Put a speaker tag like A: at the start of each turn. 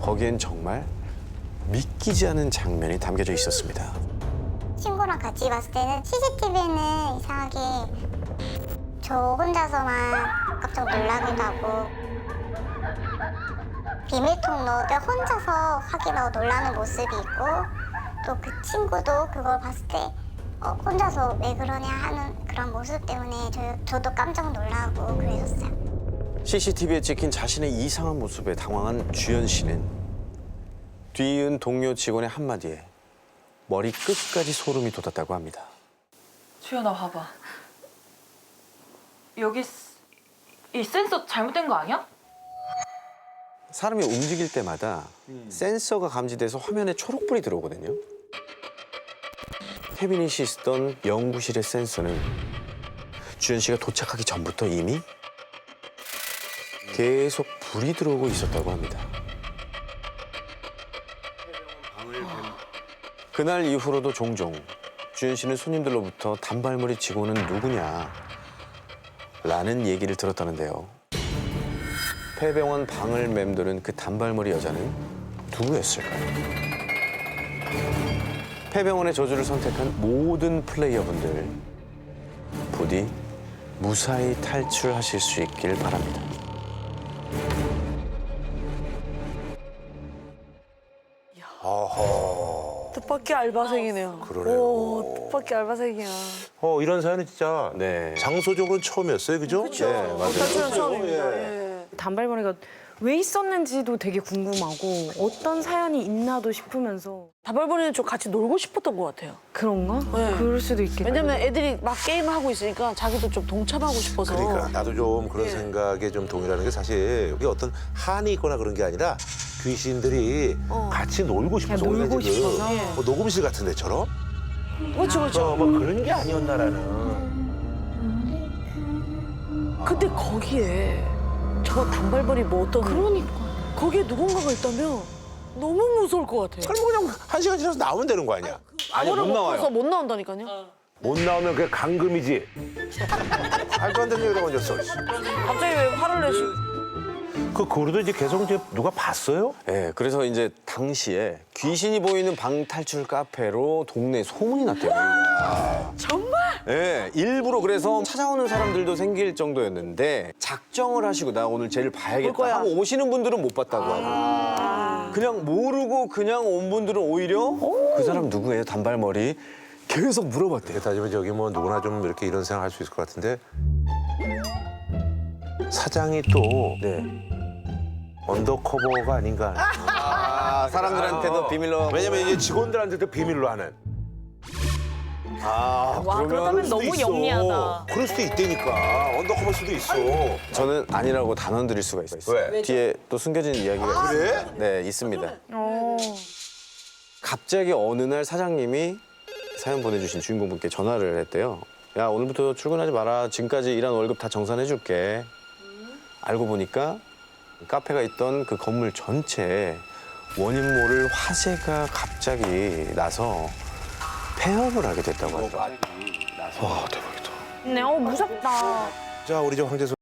A: 거기엔 정말 믿기지 않은 장면이 담겨져 있었습니다.
B: 친구랑 같이 봤을 때는 CCTV는 이상하게 저 혼자서만 깜짝 놀라기도 하고 비밀 통로를 혼자서 확인하고 놀라는 모습이 있고 또 그 친구도 그걸 봤을 때 혼자서 왜 그러냐 하는 그런 모습 때문에 저도 깜짝 놀라고 그랬었어요.
A: CCTV에 찍힌 자신의 이상한 모습에 당황한 주연 씨는 뒤이은 동료 직원의 한마디에 머리 끝까지 소름이 돋았다고 합니다.
C: 주연아 봐봐. 여기 이 센서 잘못된 거 아니야?
A: 사람이 움직일 때마다 센서가 감지돼서 화면에 초록불이 들어오거든요. 태빈이 씨 쓰던 연구실의 센서는 주연 씨가 도착하기 전부터 이미 계속 불이 들어오고 있었다고 합니다. 그날 이후로도 종종 주연 씨는 손님들로부터 단발머리 직원은 누구냐 라는 얘기를 들었다는데요. 폐병원 방을 맴도는 그 단발머리 여자는 누구였을까요? 폐병원의 저주를 선택한 모든 플레이어분들 부디 무사히 탈출하실 수 있길 바랍니다.
D: 뜻밖의 알바생이네요.
E: 그러네요.
D: 오, 뜻밖의 알바생이야.
E: 이런 사연은 진짜
A: 네.
E: 장소적으로는 처음이었어요, 그죠?
D: 그렇죠.
A: 네, 맞아요.
D: 탈출은 처음입니다. 예.
F: 단발머리가 왜 있었는지도 되게 궁금하고 어떤 사연이 있나도 싶으면서
D: 단발머리는 좀 같이 놀고 싶었던 것 같아요.
F: 그런가?
D: 네.
F: 그럴 수도 있겠다.
D: 왜냐면 애들이 막 게임을 하고 있으니까 자기도 좀 동참하고 싶어서.
E: 그러니까 나도 좀 그런
D: 예.
E: 생각에 좀 동의하는 게 사실 이게 어떤 한이 있거나 그런 게 아니라 귀신들이 같이 놀고 싶어서
F: 그냥 놀고
E: 우리가 지금
F: 싶어서.
E: 뭐 녹음실 같은 데처럼
D: 그렇죠, 그렇죠.
E: 뭐 그런 게 아니었나라는.
D: 근데 거기에 저 단발머리 뭐 어떤.
F: 그러니까.
D: 거기에 누군가가 있다면 너무 무서울 것 같아요.
E: 그럼 그냥 1시간 지나서 나오면 되는 거 아니야?
D: 아무를
A: 못 나와요.
D: 봐서 못 나온다니까요.
E: 못 나오면 그게 감금이지. 말도 안 되는 얘기를 얹었어.
D: 갑자기 왜 화를 내시?
E: 그거로도 이제 계속 이제 누가 봤어요?
A: 네, 그래서 이제 당시에 귀신이 보이는 방탈출 카페로 동네에 소문이 났대요.
D: 정말?
A: 네, 일부러 그래서 찾아오는 사람들도 생길 정도였는데 작정을 하시고 나 오늘 쟤를
D: 볼
A: 봐야겠다
D: 거야.
A: 하고 오시는 분들은 못 봤다고 하고 그냥 모르고 그냥 온 분들은 오히려 그 사람 누구예요? 단발머리 계속 물어봤대요.
E: 이렇게 따지면 저기 뭐 누구나 좀 이렇게 이런 생각 할 수 있을 것 같은데 사장이 또
A: 네.
E: 언더커버가 아닌가.
A: 사람들한테도 비밀로
E: 왜냐면 이제 직원들한테도 비밀로 하는.
A: 와,
F: 그렇다면 너무
E: 있어.
F: 영리하다.
E: 그럴 수도 있다니까. 언더커버일 수도 있어.
A: 저는 아니라고 단언 드릴 수가 있어요.
E: 왜?
A: 뒤에 또 숨겨진 이야기가
E: 그래?
A: 네, 있습니다. 갑자기 어느 날 사장님이 사연 보내주신 주인공분께 전화를 했대요. 야, 오늘부터 출근하지 마라. 지금까지 일한 월급 다 정산해 줄게. 알고 보니까 카페가 있던 그 건물 전체에 원인 모를 화재가 갑자기 나서 폐업을 하게 됐다고 하더라고요. 와, 대박이다.
F: 네, 무섭다.
E: 자, 우리 저 황재수